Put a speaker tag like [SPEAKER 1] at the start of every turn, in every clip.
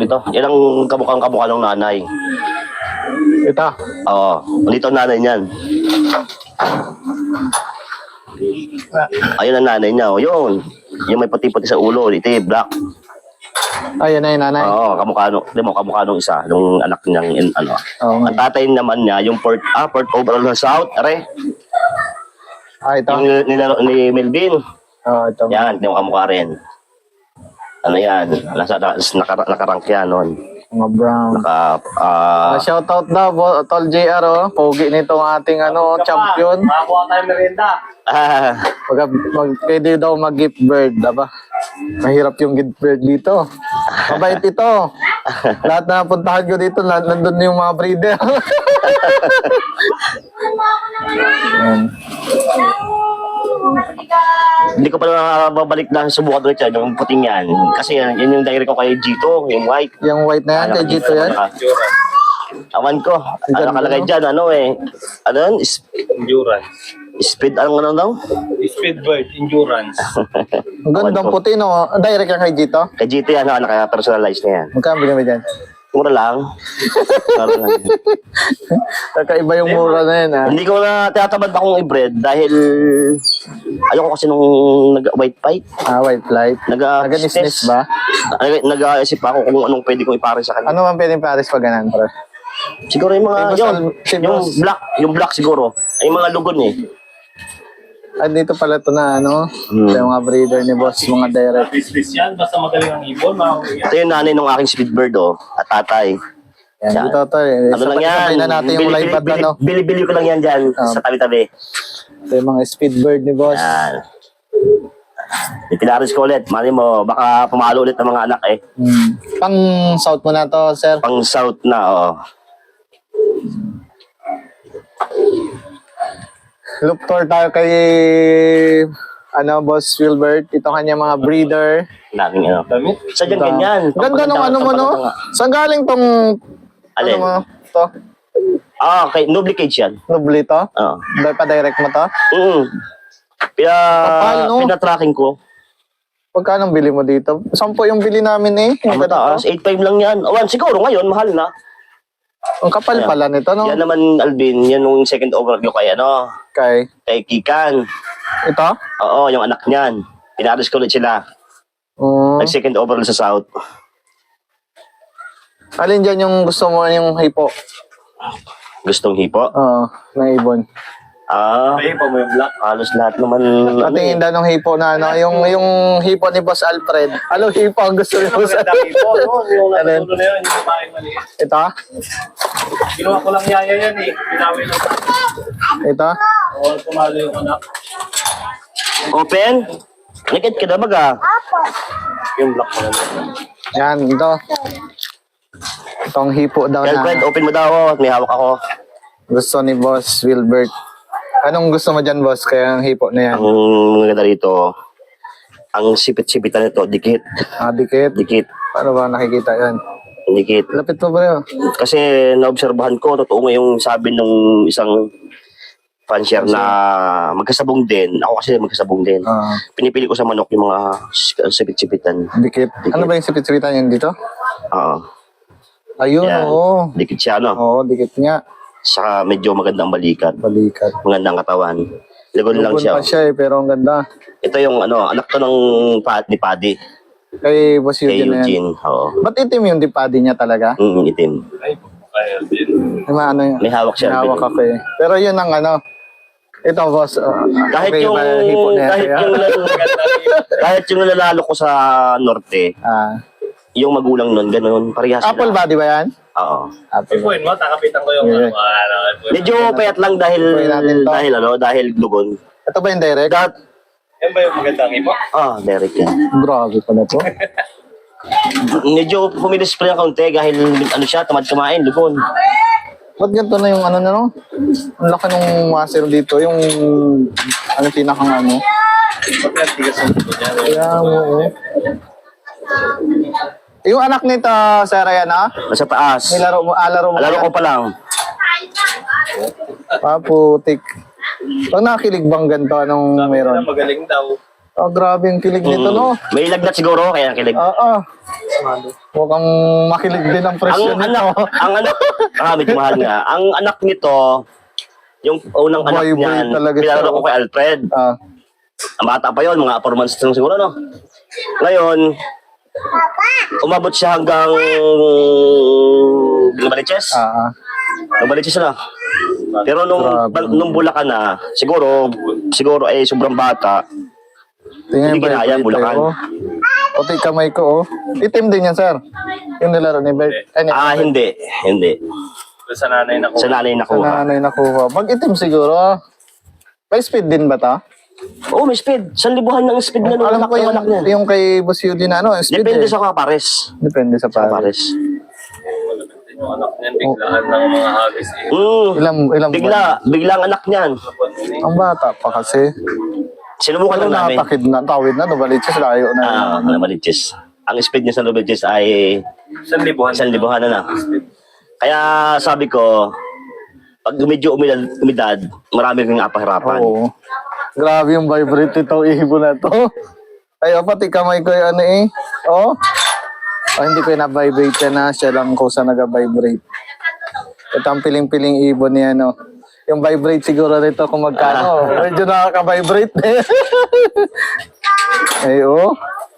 [SPEAKER 1] Ito, yan ang kamukha ng nanay.
[SPEAKER 2] Ito.
[SPEAKER 1] Oo, dito ang nanay niyan. Ayun ang nanay niya, oh, yun. Yung may puti-puti sa ulo, ito black.
[SPEAKER 2] Ayun na yung nanay.
[SPEAKER 1] Oo, kamukha nung isa, nung anak niyang, ano.
[SPEAKER 2] Oo.
[SPEAKER 1] Ang tatay naman niya, yung port overall sa South, are.
[SPEAKER 2] Ito.
[SPEAKER 1] Yung nilaro ni Melvin.
[SPEAKER 2] Oo, ito.
[SPEAKER 1] Yan, yung kamukha rin. Ano yan, nakarank yan nun.
[SPEAKER 2] Mga brown. Shoutout daw, Tol JR, oh. Pogi nitong ating champion.
[SPEAKER 3] Makakuha tayo merienda.
[SPEAKER 2] Pwede daw mag-gift bird, diba? Mahirap yung gift bird dito. Mabait ito. Lahat na puntahan ko dito, nandun yung mga breeder. Yan.
[SPEAKER 1] Hindi ko pa babalik na subukan ulit yan, yung puting yan. Kasi yan yung direct ko kay Gito, yung white.
[SPEAKER 2] Yung white na yan, kay Gito yan?
[SPEAKER 1] Awan ko. Ano nakalagay dyan, ano eh. Ano yun?
[SPEAKER 3] Endurance.
[SPEAKER 1] Speed, ano daw?
[SPEAKER 3] Speedbird, endurance.
[SPEAKER 2] Ang gandang puti, no? Direct yan kay Gito?
[SPEAKER 1] Kay Gito yan, naka-personalize na yan.
[SPEAKER 2] Magkano binili dyan?
[SPEAKER 1] Mura lang. Mura lang.
[SPEAKER 2] Kakaiba yung mura na yan, ha?
[SPEAKER 1] Hindi ko na tinatamad akong i-breed dahil ayoko kasi nung nag-white fight.
[SPEAKER 2] White flight. Nag-nisnis ba?
[SPEAKER 1] Nag-aisip ako kung anong pwede kong ipare sa kanya.
[SPEAKER 2] Ano man pwedeng pares pag ganun, pre?
[SPEAKER 1] Siguro yung mga, yung black siguro. Ay, yung mga lugon eh.
[SPEAKER 2] Dito pala ito na, yung mga breeder ni boss, mga direct.
[SPEAKER 3] Business yan, basta magaling ang ibon, makakuha.
[SPEAKER 1] Ito yung nanay ng aking speedbird, at tatay.
[SPEAKER 2] Yan, dito ito eh.
[SPEAKER 1] Ano lang yan?
[SPEAKER 2] Sabay na natin yung live ad na, no?
[SPEAKER 1] Bili-bili ko lang yan dyan sa tabi-tabi.
[SPEAKER 2] Ito yung mga speedbird ni boss.
[SPEAKER 1] Yan. Ipinaris ko ulit. Mali mo, baka pumalo ulit ng mga anak eh.
[SPEAKER 2] Pang south mo na to, sir.
[SPEAKER 1] Pang south na, oh.
[SPEAKER 2] Look tour tayo kay boss Wilbert. Ito kanya mga breeder.
[SPEAKER 1] Daming ano.
[SPEAKER 3] Damit?
[SPEAKER 1] Sa dyan ganyan.
[SPEAKER 2] Ganda nung mo, no? Saan galing tong
[SPEAKER 1] Alin?
[SPEAKER 2] to?
[SPEAKER 1] Okay. Nobly cage yan.
[SPEAKER 2] Nubli to?
[SPEAKER 1] Oo.
[SPEAKER 2] Pa-direct mo to? Paano?
[SPEAKER 1] Pina-tracking ko.
[SPEAKER 2] Pagkano bili mo dito? 10 yung bili namin eh.
[SPEAKER 1] Ang mataas. 8.5 lang yan. Siguro ngayon, mahal na.
[SPEAKER 2] Ang kapal pala nito, no?
[SPEAKER 1] Yan naman, Alvin, yan yung second overview kay kay Kikan.
[SPEAKER 2] Ito?
[SPEAKER 1] Oo, yung anak niyan. Pinaris ko ulit sila. Nag-second overall sa South.
[SPEAKER 2] Alin dyan yung gusto mo yung hipo?
[SPEAKER 1] Gustong hipo?
[SPEAKER 2] Oo, na ibon.
[SPEAKER 3] May pa mo yung black.
[SPEAKER 1] Halos lahat naman.
[SPEAKER 2] Patingin daw ng hipo na yung hipo ni Boss Alfred. Ano hipo ang gusto ni Boss
[SPEAKER 3] Magandang ipo, no? Yung
[SPEAKER 2] Alin?
[SPEAKER 3] natulo na yun, yung babaeng maliit.
[SPEAKER 2] Ito?
[SPEAKER 3] Ginawa ko lang yaya yan eh. Pinawi lang.
[SPEAKER 2] Ito?
[SPEAKER 3] Oo, pumalo yung anak.
[SPEAKER 1] Open? Nakit ka na baga?
[SPEAKER 3] Yung black mo lang.
[SPEAKER 2] Yan, ito. Itong hipo daw
[SPEAKER 1] Girlfriend,
[SPEAKER 2] na
[SPEAKER 1] open mo daw. May hawak ako.
[SPEAKER 2] gusto ni Boss Wilbert. Anong gusto mo dyan, Boss? Kaya ang hipo na yan.
[SPEAKER 1] Ang maganda rito, ang sipit-sipitan nito, dikit.
[SPEAKER 2] Dikit.
[SPEAKER 1] Dikit.
[SPEAKER 2] Paano ba nakikita yan?
[SPEAKER 1] Dikit.
[SPEAKER 2] Lapit mo ba yun?
[SPEAKER 1] Kasi naobserbahan ko, totoo nga yung sabi ng isang fansher na magkasabong din. Ako kasi magkasabong din. Pinipili ko sa manok yung mga sipit-sipitan.
[SPEAKER 2] Dikit. Ano ba yung sipit-sipitan yan dito?
[SPEAKER 1] Oo.
[SPEAKER 2] Ayun,
[SPEAKER 1] Yan.
[SPEAKER 2] oo.
[SPEAKER 1] Dikit siya, no?
[SPEAKER 2] Oo, dikit nga.
[SPEAKER 1] Saka medyo magandang balikat.
[SPEAKER 2] Balikat.
[SPEAKER 1] Magandang katawan. Lagon lang
[SPEAKER 2] Lubon
[SPEAKER 1] siya.
[SPEAKER 2] pa siya eh, pero ang ganda.
[SPEAKER 1] Ito yung anak to ng ni Paddy.
[SPEAKER 2] Kay Boss
[SPEAKER 1] Kay
[SPEAKER 2] Eugene na yan.
[SPEAKER 1] Eugene. Oo.
[SPEAKER 2] Ba't itim yung dipadi niya talaga?
[SPEAKER 1] Itim.
[SPEAKER 3] Ay, kaya din.
[SPEAKER 2] Yung
[SPEAKER 1] May hawak siya.
[SPEAKER 2] hawak ako eh. Pero yun ang ito boss.
[SPEAKER 1] Kahit
[SPEAKER 2] okay,
[SPEAKER 1] yung
[SPEAKER 2] hipo na yan, kaya?
[SPEAKER 1] kahit yung nalalalo ko sa norte, yung magulang nun, ganun, parehas sila.
[SPEAKER 2] Apple body ba yan?
[SPEAKER 1] Oo.
[SPEAKER 2] Apple.
[SPEAKER 3] Ipuin mo, takapitan ko yung
[SPEAKER 2] Yeah.
[SPEAKER 1] Medyo payat lang dahil
[SPEAKER 2] Ipuin natin to.
[SPEAKER 1] dahil lugon.
[SPEAKER 2] Ito ba yung direct?
[SPEAKER 3] Yan ba yung magandang ipo?
[SPEAKER 1] Derek yan.
[SPEAKER 2] Grabe pala to.
[SPEAKER 1] Medyo pumilis pa yung kaunti dahil siya, tamad kumain, lugon.
[SPEAKER 2] Ba't ganito na yung ano? Ang laki ng muscle dito. Yung pinakang
[SPEAKER 3] Pati ang tigas ng ito niya.
[SPEAKER 2] Kaya mo. Yung anak nito, Sir Ryan,
[SPEAKER 1] Nasa taas.
[SPEAKER 2] laro mo
[SPEAKER 1] Alaro ko pa lang.
[SPEAKER 2] Putik. Pag nakilig bang ganito, anong
[SPEAKER 3] Sabi
[SPEAKER 2] meron?
[SPEAKER 3] nila magaling daw.
[SPEAKER 2] Oh, grabe yung kilig nito, no?
[SPEAKER 1] May lagnat siguro, kaya kilig.
[SPEAKER 2] Oo. Mukhang makilig din ang presyo nito.
[SPEAKER 1] Medyo mahal nga. Ang anak nito, yung unang anak
[SPEAKER 2] Boy
[SPEAKER 1] niyan,
[SPEAKER 2] talaga siya,
[SPEAKER 1] pinalaro ko
[SPEAKER 2] oh.
[SPEAKER 1] kay Alfred.
[SPEAKER 2] Ah,
[SPEAKER 1] Ang bata pa yon, mga 4 months lang siguro, no? Ngayon, umabot siya hanggang Lumaliches. Lumaliches na. Pero nung Bulacan na, siguro ay sobrang bata.
[SPEAKER 2] tingnan
[SPEAKER 1] Hindi kinaya,
[SPEAKER 2] yung
[SPEAKER 1] Bulacan.
[SPEAKER 2] oh. Puti kamay ko, oh. Itim din yan, sir. Yung nilaro ni Bert.
[SPEAKER 1] Hindi.
[SPEAKER 3] Sa nanay na ko.
[SPEAKER 1] Sa nanay
[SPEAKER 2] Sa
[SPEAKER 1] nakuha.
[SPEAKER 2] nanay nakuha. Mag-itim siguro. May speed din ba ta?
[SPEAKER 1] Oo, may speed. 1,000 ng speed na nung
[SPEAKER 2] Alam ko
[SPEAKER 1] anak niya.
[SPEAKER 2] yung kay Boss Yuli na ano, speed
[SPEAKER 1] Depende
[SPEAKER 2] eh.
[SPEAKER 1] sa kapares.
[SPEAKER 2] Depende sa
[SPEAKER 1] Sa
[SPEAKER 2] pare.
[SPEAKER 1] kapares.
[SPEAKER 3] Yung anak niyan, biglaan ng mga hagis eh.
[SPEAKER 2] Ilang
[SPEAKER 1] Bigla ang anak niyan.
[SPEAKER 2] Ang bata pa kasi.
[SPEAKER 1] Sinubukan
[SPEAKER 2] Ano
[SPEAKER 1] lang namin.
[SPEAKER 2] natakid na, tawid na, Novaliches, layo na.
[SPEAKER 1] Lumaliches. Ang speed niya sa Lumaliches ay
[SPEAKER 3] 1,000.
[SPEAKER 1] 1,000 na. Kaya sabi ko, pag medyo umidad, marami kang apahirapan.
[SPEAKER 2] Oo. Grabe yung vibrate ito, ihibo na to. Ay, pati kamay ko yung ano eh. Oh. Hindi ko yung na-vibrate yan na. Siya lang ko sa nag-vibrate. Ito ang piling-piling ibon niya, no. Yung vibrate siguro rito kung magkano. Medyo nakaka-vibrate eh. Ay, oh.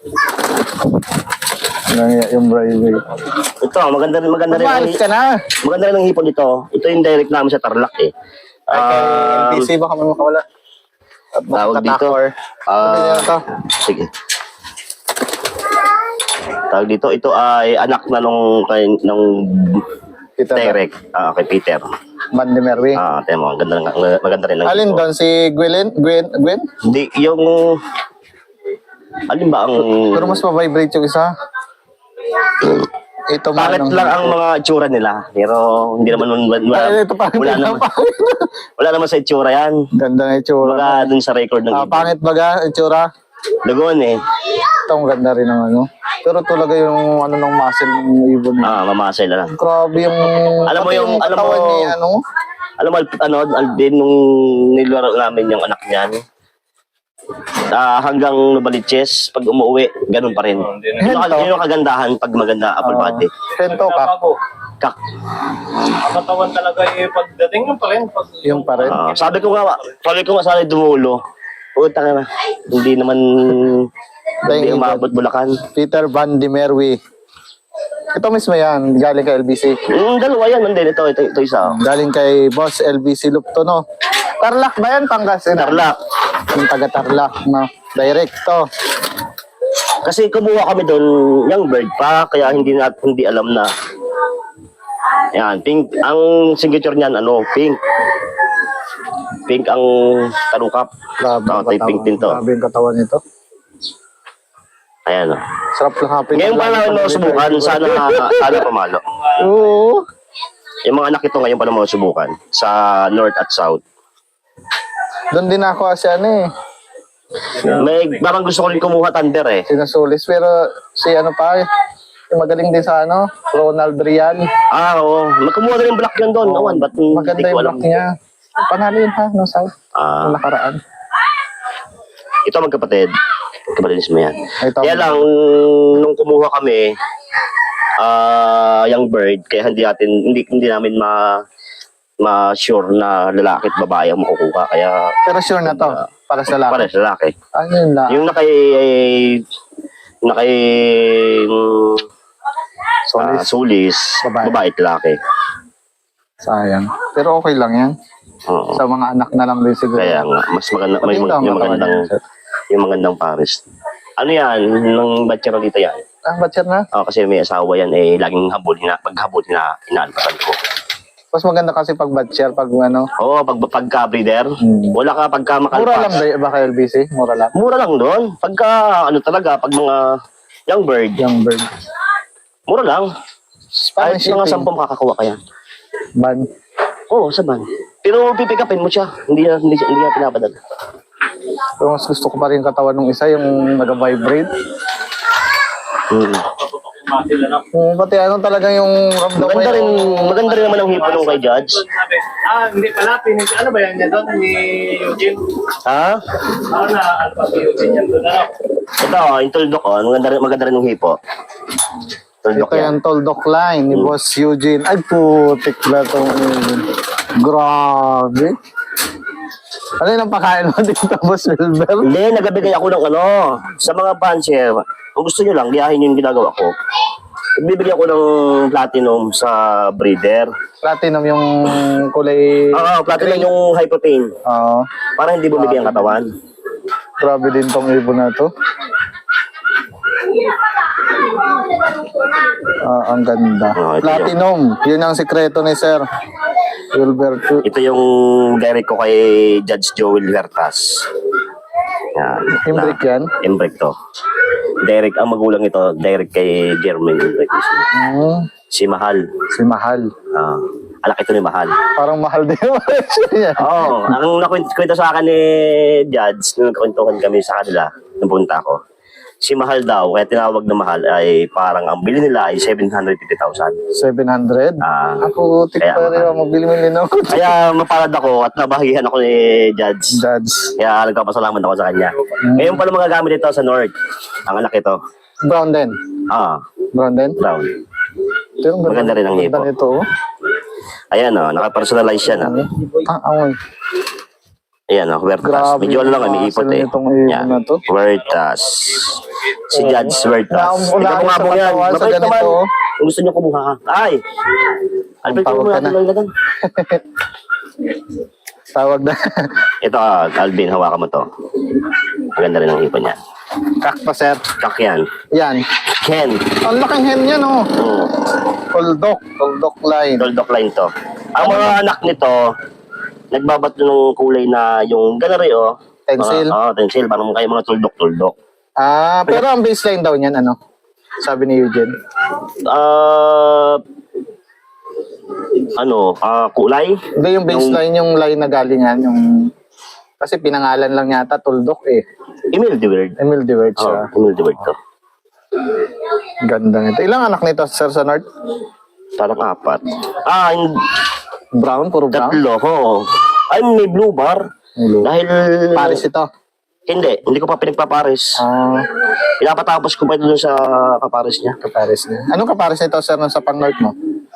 [SPEAKER 2] Yung vibrate.
[SPEAKER 1] Ito, maganda rin
[SPEAKER 2] Umalis ka na.
[SPEAKER 1] Maganda rin ang hipon dito. Ito yung direct namin sa Tarlac eh.
[SPEAKER 2] Ay, kay NPC baka may makawala. At
[SPEAKER 1] Tawag dito.
[SPEAKER 2] makatakor. Sabi niya na to.
[SPEAKER 1] Sige. Tawag dito, ito ay anak na nung
[SPEAKER 2] Peter
[SPEAKER 1] direct, kay Peter.
[SPEAKER 2] Man ni Merwi.
[SPEAKER 1] Temo, maganda rin ang
[SPEAKER 2] Alin
[SPEAKER 1] hipon.
[SPEAKER 2] doon? Si Gwen?
[SPEAKER 1] Hindi, yung... Alin ba ang...
[SPEAKER 2] Pero mas ma-vibrate yung isa. Ito man.
[SPEAKER 1] Pangit lang ang mga itsura nila. Pero hindi naman
[SPEAKER 2] Ay, ito pangit.
[SPEAKER 1] wala naman sa itsura yan.
[SPEAKER 2] Ganda ng itsura.
[SPEAKER 1] Mga dun sa record ng
[SPEAKER 2] Pangit baga, itsura.
[SPEAKER 1] Lagon eh.
[SPEAKER 2] Ito ang ganda rin ng ano. Pero talaga yung ano ng muscle ng ibon.
[SPEAKER 1] Mamasay na lang.
[SPEAKER 2] Grabe yung...
[SPEAKER 1] Alam mo
[SPEAKER 2] pati
[SPEAKER 1] yung- alam
[SPEAKER 2] katawan
[SPEAKER 1] mo-
[SPEAKER 2] ni ano.
[SPEAKER 1] Alam mo, Alvin, nung nilaro namin yung anak niyan, hanggang Novaliches, pag umuwi, ganun pa rin. Yun yung kagandahan pag maganda apple body.
[SPEAKER 2] Sento ka.
[SPEAKER 1] Kak.
[SPEAKER 3] Ang katawan talaga eh, pagdating mo pa rin.
[SPEAKER 2] Yung pa rin.
[SPEAKER 1] Sabi ko nga sana dumulo. Utang na. Hindi naman hindi umabot Bulacan.
[SPEAKER 2] Peter Van de Merwe. Ito mismo yan. Galing kay LBC.
[SPEAKER 1] Dalawa yan. Hindi, ito isa.
[SPEAKER 2] Galing kay Boss LBC Lupto, no? Tarlac ba yan? Pangasinan?
[SPEAKER 1] Tarlac.
[SPEAKER 2] Yung taga Tarlac, no? Direct to.
[SPEAKER 1] Kasi kumuha kami doon young bird pa, kaya hindi alam na. Yan, pink. Ang signature niyan, pink. Pink ang talukap.
[SPEAKER 2] Grabe
[SPEAKER 1] Ito yung pink din to.
[SPEAKER 2] Grabe yung katawan nito.
[SPEAKER 1] Ayan.
[SPEAKER 2] Sarap lang hapin.
[SPEAKER 1] Ngayon pa lang subukan, sana pamalo.
[SPEAKER 2] Oo.
[SPEAKER 1] Yung mga anak ito ngayon pa lang subukan sa North at South.
[SPEAKER 2] Doon din ako kasi ano eh.
[SPEAKER 1] Parang gusto ko rin kumuha Thunder eh.
[SPEAKER 2] Sinasulis. Pero si ano pa, yung magaling din sa ano, Ronald Rian.
[SPEAKER 1] Oo. Kumuha na rin black yun doon. Awan, ba't
[SPEAKER 2] Maganda yung block niya. Panalo yun ha, no South. Yung nakaraan.
[SPEAKER 1] Ito magkapatid. Magkapatid mismo yan.
[SPEAKER 2] Ito.
[SPEAKER 1] Kaya lang, nung kumuha kami, young bird, kaya hindi namin ma-sure na lalaki at babae ang makukuha. Kaya,
[SPEAKER 2] Pero sure na to, para sa lalaki.
[SPEAKER 1] para sa lalaki.
[SPEAKER 2] Ano yun na?
[SPEAKER 1] Yung sulis, babae at lalaki.
[SPEAKER 2] Sayang. Pero okay lang yan.
[SPEAKER 1] Oo.
[SPEAKER 2] Sa mga anak na lang din siguro.
[SPEAKER 1] Kaya nga, mas maganda, yung magandang pares. Ano yan? Nang batchera dito yan.
[SPEAKER 2] Batcher na?
[SPEAKER 1] Kasi may asawa yan, laging paghabol, inaalpasan ko.
[SPEAKER 2] Mas maganda kasi pag batcher, pag ano.
[SPEAKER 1] Oo, pagka-breeder, wala ka pagka makalpas.
[SPEAKER 2] Mura lang ba kay LBC? Mura lang.
[SPEAKER 1] Mura lang doon. Pagka, talaga, pag mga young bird,
[SPEAKER 2] Young bird.
[SPEAKER 1] mura lang.
[SPEAKER 2] Paano
[SPEAKER 1] Kahit mga
[SPEAKER 2] shipping?
[SPEAKER 1] 10 makakakuha ka yan.
[SPEAKER 2] Ban.
[SPEAKER 1] Oo, sa van. Pero pipikapin mo siya. Hindi na pinapadala.
[SPEAKER 2] Pero mas gusto ko pa rin katawan ng isa, yung nag-vibrate.
[SPEAKER 3] muscle, ano.
[SPEAKER 2] Pati ano talaga yung ramdam mo
[SPEAKER 1] Maganda rin naman ang hipo nung kay Judge.
[SPEAKER 3] Sabi, hindi pala, ano ba yan niya doon, ni Eugene?
[SPEAKER 1] Ha?
[SPEAKER 3] Na, ano pa si Eugene yan doon, ano?
[SPEAKER 1] Ito, yung tuldok, maganda rin yung hipo. Tuldok
[SPEAKER 2] Ito
[SPEAKER 1] yan.
[SPEAKER 2] yung Toldok line ni Boss Eugene. Ay, putik na itong grabe. Ano yung pakain mo dito, Boss Wilber?
[SPEAKER 1] Hindi, nagabigay ako ng sa mga puncher. Kung gusto nyo lang, liyahin yung ginagawa ko. Nagbibigay ako ng platinum sa breeder.
[SPEAKER 2] Platinum yung kulay...
[SPEAKER 1] Platinum yung high protein.
[SPEAKER 2] Oo.
[SPEAKER 1] Para hindi bumigay ang katawan.
[SPEAKER 2] Grabe din tong ibon na to. Ang ganda.
[SPEAKER 1] Ito
[SPEAKER 2] Platinum. Yun ang sikreto ni Sir Wilberto.
[SPEAKER 1] Ito yung direct ko kay Judge Joel Vertas. Yan.
[SPEAKER 2] Imbrick yan?
[SPEAKER 1] Imbrick to. Direct, ang magulang ito, direct kay Jermaine Imbrick. Si Mahal.
[SPEAKER 2] Si Mahal.
[SPEAKER 1] Alak ito ni Mahal.
[SPEAKER 2] Parang mahal din yung presyo niya.
[SPEAKER 1] Oo. Ang nakwento sa akin ni Judge, nung nagkwentuhan kami sa kanila, nung punta ko, si Mahal daw, kaya tinawag na Mahal, ay parang ang bili nila ay 750,000.
[SPEAKER 2] 700? Ako,
[SPEAKER 1] kaya
[SPEAKER 2] tikpa rin ako. Mabili-mili na ako.
[SPEAKER 1] Kaya mapalad ako at nabahagihan ako ni Judge.
[SPEAKER 2] Judge.
[SPEAKER 1] Kaya nagpapasalamat ako sa kanya. Ngayon pala magagamit ito sa North. Ang anak ito.
[SPEAKER 2] Brown din. Brown din?
[SPEAKER 1] Brown.
[SPEAKER 2] Pero
[SPEAKER 1] Maganda rin ang hipo.
[SPEAKER 2] Ganda nito.
[SPEAKER 1] Ayan naka-personalize siya na.
[SPEAKER 2] Amoy.
[SPEAKER 1] Ayan Huertas.
[SPEAKER 2] Grabe,
[SPEAKER 1] Medyo lang, may ipot eh.
[SPEAKER 2] itong ibon na to.
[SPEAKER 1] Huertas. Si Judge Huertas.
[SPEAKER 2] Naumula
[SPEAKER 1] Ikaw nga
[SPEAKER 2] sa
[SPEAKER 1] po yan.
[SPEAKER 2] katawan sa
[SPEAKER 1] Mabait naman.
[SPEAKER 2] ganito.
[SPEAKER 1] Kung gusto niyo kumuha ka. Ay! Albert,
[SPEAKER 2] Tawag
[SPEAKER 1] kumuha
[SPEAKER 2] ka
[SPEAKER 1] natin
[SPEAKER 2] na.
[SPEAKER 1] lang ilagan.
[SPEAKER 2] Tawag na.
[SPEAKER 1] Ito Alvin, hawakan mo to. Maganda rin ang ipon niya.
[SPEAKER 2] Kakpa, Sir.
[SPEAKER 1] Kak yan.
[SPEAKER 2] Yan.
[SPEAKER 1] Ken.
[SPEAKER 2] Ang laking hen yan, oh. Toldok. Toldok line.
[SPEAKER 1] Toldok line to. Ang mga anak nito, nagbabat ng kulay na yung ganari
[SPEAKER 2] Tencel.
[SPEAKER 1] Tencel. Parang kayo mga tuldok-tuldok.
[SPEAKER 2] Pero ang baseline daw niyan, ano? Sabi ni Eugene.
[SPEAKER 1] Kulay?
[SPEAKER 2] Hindi, yung baseline, yung line na galingan, yung... Kasi pinangalan lang yata, Toldok eh.
[SPEAKER 1] Emil de Word.
[SPEAKER 2] Emil de Word siya.
[SPEAKER 1] Emil de Word to.
[SPEAKER 2] Ganda nito. Ilang anak nito, Sir, sa North?
[SPEAKER 1] Parang 4.
[SPEAKER 2] Brown? Puro brown?
[SPEAKER 1] Tatlo, ay, may blue bar.
[SPEAKER 2] Blue.
[SPEAKER 1] Dahil...
[SPEAKER 2] Paris ito.
[SPEAKER 1] Hindi ko pa pinagpapares. Pinapatapos ko pa ito dun sa kapares niya.
[SPEAKER 2] Kapares niya. Anong kapares nito, Sir, nung sa pang-North mo?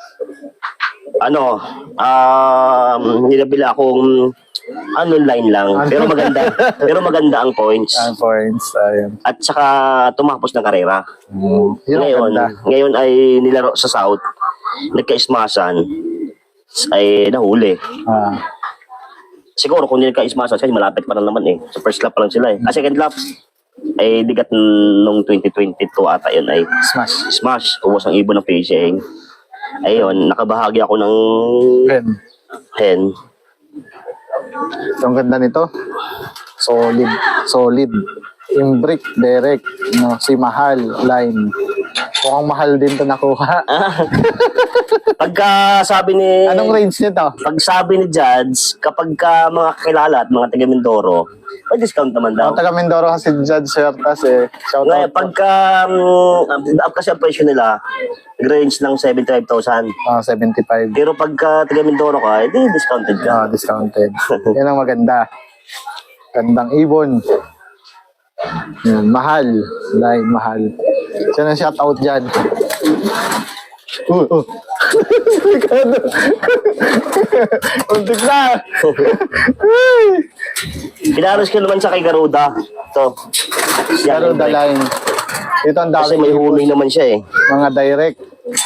[SPEAKER 1] Nilabila akong line lang. Pero maganda ang points.
[SPEAKER 2] Points. Ayun.
[SPEAKER 1] At saka tumapos ng karera.
[SPEAKER 2] Yun ang ganda.
[SPEAKER 1] Ngayon ay nilaro sa South. Nagka-ismasan. Ay nahuli. Siguro kung hindi nagka-ismasan kasi malapit pa lang naman eh. Sa first lap pa lang sila eh. Second lap ay bigat nung 2022 ata yun ay smash. Ubos ang ibon ng PCA. Ayun, nakabahagi ako ng hen.
[SPEAKER 2] Ang ganda nito. Solid. Imbrick, direct. No, si Mahal, line. Mukhang mahal din to nakuha.
[SPEAKER 1] Pagka sabi ni...
[SPEAKER 2] Anong range nito?
[SPEAKER 1] Pag sabi ni Judge, kapag ka mga kakilala at mga taga Mindoro, may discount naman daw.
[SPEAKER 2] Taga Mindoro kasi Judge Huertas eh. Shout
[SPEAKER 1] Ngayon,
[SPEAKER 2] out.
[SPEAKER 1] pagka kasi ang presyo nila, range ng 75,000.
[SPEAKER 2] 75.
[SPEAKER 1] Pero pagka taga Mindoro ka, hindi discounted ka.
[SPEAKER 2] Discounted. Yan ang maganda. Gandang ibon. Yan, mahal. Line, mahal. Sino ang shout out dyan? Delikado. Untik na.
[SPEAKER 1] Pinaros ko naman sa kay Garuda. Ito.
[SPEAKER 2] Garuda line. Ito ang
[SPEAKER 1] Kasi
[SPEAKER 2] dami
[SPEAKER 1] may humi naman siya eh.
[SPEAKER 2] mga direct.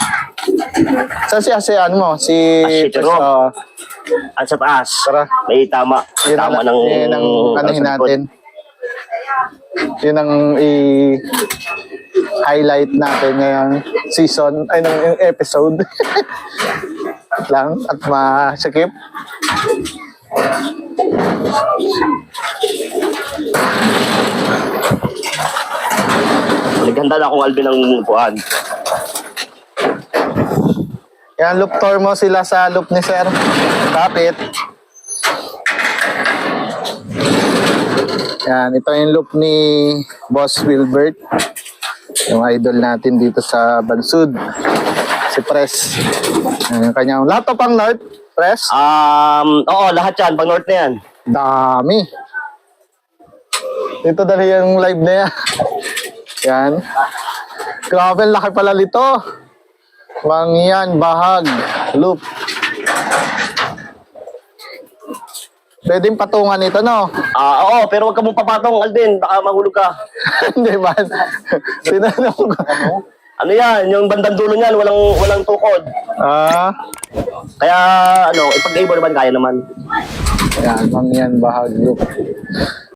[SPEAKER 2] Si ano mo? Si
[SPEAKER 1] Jerome. At sa taas,
[SPEAKER 2] Tara.
[SPEAKER 1] may tama.
[SPEAKER 2] Yun
[SPEAKER 1] Tama
[SPEAKER 2] ang,
[SPEAKER 1] ng...
[SPEAKER 2] yun ang anuhin
[SPEAKER 1] sa likod.
[SPEAKER 2] natin. Yun ang highlight natin ngayong season, ay ng episode. lang at masikip.
[SPEAKER 1] Naghanda na akong Alvin ng buwan.
[SPEAKER 2] Yan, loop tour mo sila sa loop ni Sir. Kapit. Yan, ito yung loop ni Boss Wilbert. Yung idol natin dito sa Bansud. Si Pres. Yung kanyang lahat to pang North, Pres.
[SPEAKER 1] Oo, lahat yan. Pang north na yan.
[SPEAKER 2] Dami. Dito dali yung live na yan. Yan. Grabe, laki pala nito. Mangyan, bahag, loop. Pwedeng patungan ito, no?
[SPEAKER 1] Oo, pero wag ka mong papatong, Alden. Baka mahulog ka.
[SPEAKER 2] Hindi man. Tinanong ko.
[SPEAKER 1] Ano yan? Yung bandang dulo niyan, walang tukod. Kaya, ipag-able naman, kaya naman.
[SPEAKER 2] Yan, mangyan, bahag, loop.